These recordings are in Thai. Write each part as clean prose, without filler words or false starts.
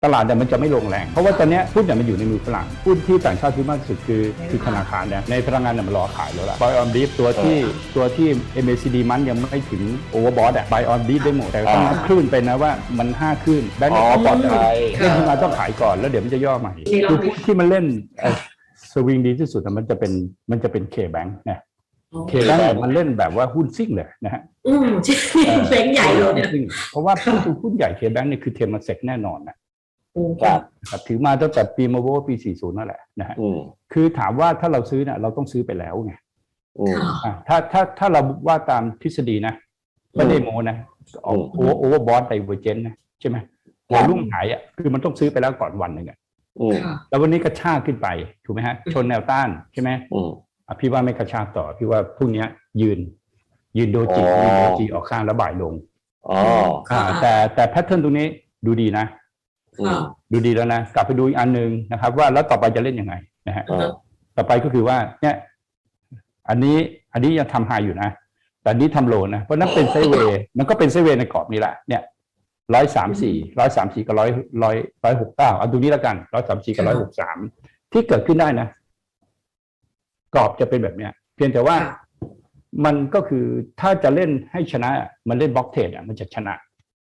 ตลาดเนี่ยมันจะไม่ลงแรงเพราะว่าตอนนี้หุ้นเนี่ยมันอยู่ในมือฝรั่งหุ้นที่ต่างชาติซื้อมากที่สุดคือธนาคารเนี่ยในพลังงานเนี่ยมันรอขายแล้วล่ะ Buy on Brief ตัวที่ MACD มันยังไม่ถึง Overbought อ่ะ Buy on Brief ได้หมดแต่ต้องนับคลื่นไปนะว่ามัน5คลื่นแบงก์ปลอดภัยเล่นขึ้นมาต้องขายก่อนแล้วเดี๋ยวมันจะย่อใหม่คือหุ้นที่มันเล่นสวิงดีที่สุดมันจะเป็น K-Bank นะ K-Bank เนี่ยมันเล่นแบบว่าหุ้นซิ่งเลยนะฮะใช่แบงค์ใหญ่เลยเนี่ยเพราะว่าหุ้นใหญ่ K-Bank เนี่ยคือเทมเซกแน่นอนนะครับถือมาตั้งแต่ปีมาโวปี 40 นั่นแหละนะฮะคือถามว่าถ้าเราซื้อเนี่ยเราต้องซื้อไปแล้วไงถ้าเราว่าตามทฤษฎีนะไม่ได้โมนะออกโอเวอร์บอทไดเวอร์เจนนะใช่ไหมวอลุ่มหายอ่ะคือมันต้องซื้อไปแล้วก่อนวันหนึ่งอ่ะแล้ววันนี้กระชากขึ้นไปถูกไหมฮะชนแนวต้านใช่ไหมพี่ว่าไม่กระชากต่อพี่ว่าพรุ่งนี้ยืนโดจิออกข้างแล้วบ่ายลงแต่แพทเทิร์นตรงนี้ดูดีนะดูดีแล้วนะกลับไปดูอีกอันหนึ่งนะครับว่าแล้วต่อไปจะเล่นยังไงนะฮะต่อไปก็คือว่าเนี่ยอันนี้ยังทำไฮอยู่นะแต่อันนี้ทำโลนะเพราะนั้นเป็นไซด์เวย์มันก็เป็นไซด์เวย์ในกรอบนี้แหละเนี่ย134กับ169เอาตรงนี้แล้วกัน134กับ163ที่เกิดขึ้นได้นะกรอบจะเป็นแบบเนี้ยเพียงแต่ว่ามันก็คือถ้าจะเล่นให้ชนะมันเล่นบล็อกเทรดมันจะชนะ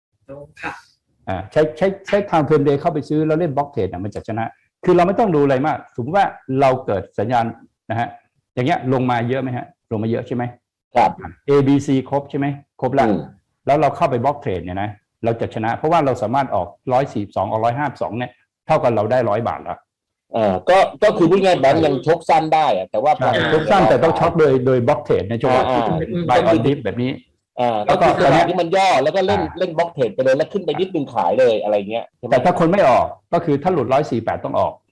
ใช้ทางเฟรมเดย์เข้าไปซื้อแล้วเล่นบล็อกเทรดมันจะชนะคือเราไม่ต้องดูอะไรมากสมมติว่าเราเกิดสัญญาณนะฮะอย่างเงี้ยลงมาเยอะไหมฮะลงมาเยอะใช่ไหมครับ A B C ครบใช่ไหมครบแล้วเราเข้าไปบล็อกเทรดเนี่ยนะเราจะชนะเพราะว่าเราสามารถออก142ออก152เนี่ยเท่ากันเราได้100 บาทแล้วก็คือพูดง่ายๆแบงก์ยังชกสั้นได้แต่ว่าชกสั้นแต่ต้องช็อตโดยบล็อกเทรดในจังหวะที่เป็นบายออนดิฟแบบนี้ก็คือจังหวะที่มันย่อแล้วก็เล่นบล็อกเทรดไปเลยแล้วขึ้นไปนิดนึงขายเลยอะไรเงี้ยแต่ถ้าคนไม่ออกก็คือถ้าหลุด148ต้องออก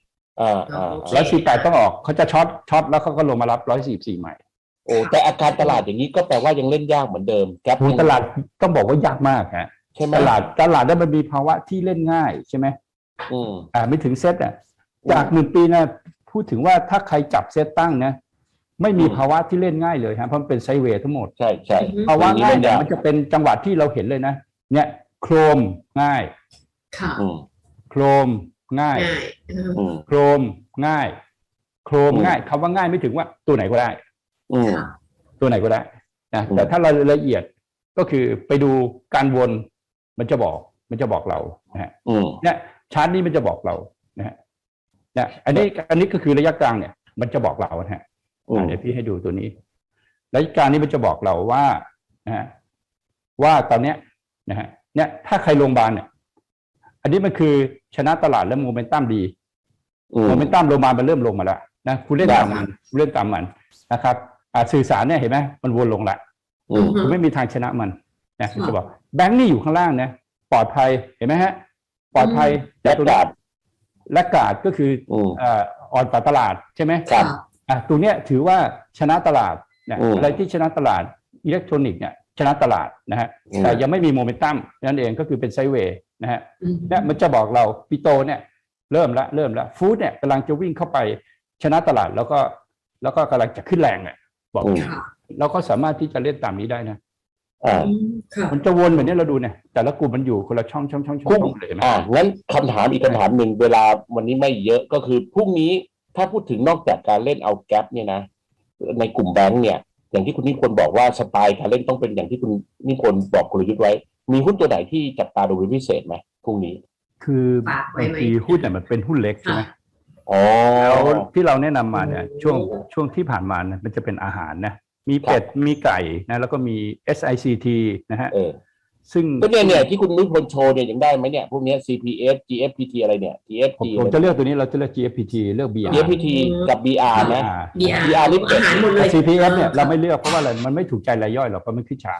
148ต้องออกเขาจะช็อตแล้วเขาก็ลงมารับ144ใหม่โอ้แต่อาการตลาดอย่างนี้ก็แปลว่ายังเล่นยากเหมือนเดิมแก๊ปตลาดต้องบอกว่ายากมากฮะใช่ไหมตลาดนั้นมันมีภาวะที่เล่นง่ายใช่ไหมไม่ถึงเซตจาก1 ปีนะพูดถึงว่าถ้าใครจับเซตตั้งนะไม่มีภาวะที่เล่นง่ายเลยฮะเพราะมันเป็นไซด์เวย์ทั้งหมดใช่ภาวะง่ายเนี่ยมันจะเป็นจังหวะที่เราเห็นเลยนะเนี่ยโครมง่ายโครมง่ายโครมง่ายโครมง่ายคำว่าง่ายไม่ถึงว่าตัวไหนก็ได้ตัวไหนก็ได้นะแต่ถ้าเราละเอียดก็คือไปดูการวนมันจะบอกเรานะฮะเนี่ยชาร์ตนี้มันจะบอกเรานะฮะเนี่ยอันนี้ก็คือระยะกลางเนี่ยมันจะบอกเรานะฮะเดี๋ยวพี่ให้ดูตัวนี้ระยะกลางนี้มันจะบอกเราว่านะฮะว่าตอนเนี้ยนะฮะเนี่ยถ้าใครลงบาลเนี่ยอันนี้มันคือชนะตลาดและโมเมนตัมดีโมเมนตัมลงมามันเริ่มลงมาแล้วนะคุณเล่นตามมันนะครับสื่อสารเนี่ยเห็นไหมมันวนลงละคุณไม่มีทางชนะมันนะจะบอกแบงค์นี่อยู่ข้างล่างนะปลอดภัยเห็นไหมฮะปลอดภัยและกาดก็คืออ่อนกว่าตลาดใช่ไหมครับตรงเนี้ยถือว่าชนะตลาดเนี่ยอะไรที่ชนะตลาดอิเล็กทรอนิกส์เนี่ยชนะตลาดนะฮะแต่ยังไม่มีโมเมนตัมนั่นเองก็คือเป็นไซด์เวย์นะฮะเนี่ยมันจะบอกเราปิโตเนี่ยเริ่มละฟู้ดเนี่ยกำลังจะวิ่งเข้าไปชนะตลาดแล้วก็กำลังจะขึ้นแรงเนี่ยบอกเราก็สามารถที่จะเล่นตามนี้ได้นะมันจะวนแบบนี้เราดูเนี่ยแต่ละกลุ่มมันอยู่คนละช่องเลยไหมงั้นคำถามอีกคำถามหนึ่งเวลาวันนี้ไม่เยอะก็คือพรุ่งนี้ถ้าพูดถึงนอกจากการเล่นเอาแก๊ปเนี่ยนะในกลุ่มแบงก์เนี่ยอย่างที่คุณนิพนธ์บอกว่าสไตล์การเล่นต้องเป็นอย่างที่คุณนิพนธ์บอกกลยุทธ์ไว้มีหุ้นตัวไหนที่จับตาดูเป็นพิเศษไหมพรุ่งนี้คือบางทีหุ้นเนี่ยมันเป็นหุ้นเล็กใช่ไหมแล้วที่เราแนะนำมาเนี่ยช่วงที่ผ่านมาเนี่ยมันจะเป็นอาหารนะมีเป็ดมีไก่นะแล้วก็มี SICT นะฮะซึ่งก็เนี่ยที่คุณนิพนธ์โชว์เนี่ยยังได้ไหมเนี่ยพวกนี้ CPS GFPT อะไรเนี่ย GFT ผมจะเลือกตัวนี้เราจะเลือก GFPT เลือก BR GFPT กับ BR นะ BR นี่เป็ด CPF เนี่ยเราไม่เลือกเพราะว่าอะไรมันไม่ถูกใจรายย่อยหรอกเพราะมันขึ้นช้า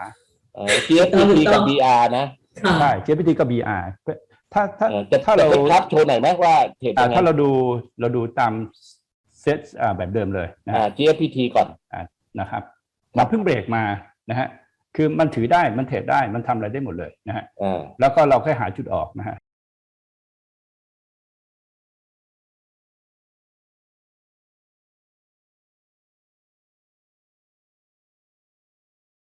GFPT กับ BR นะใช่ GFPT กับ BR ถ้าเราครับโชว์หน่อยไหมว่าเทรดถ้าเราดูตามเซตแบบเดิมเลยนะ GFPT ก่อนนะครับมันเพิ่งเบรกมานะฮะคือมันถือได้มันเทรดได้มันทำอะไรได้หมดเลยนะฮะแล้วก็เราแค่หาจุดออกนะฮะ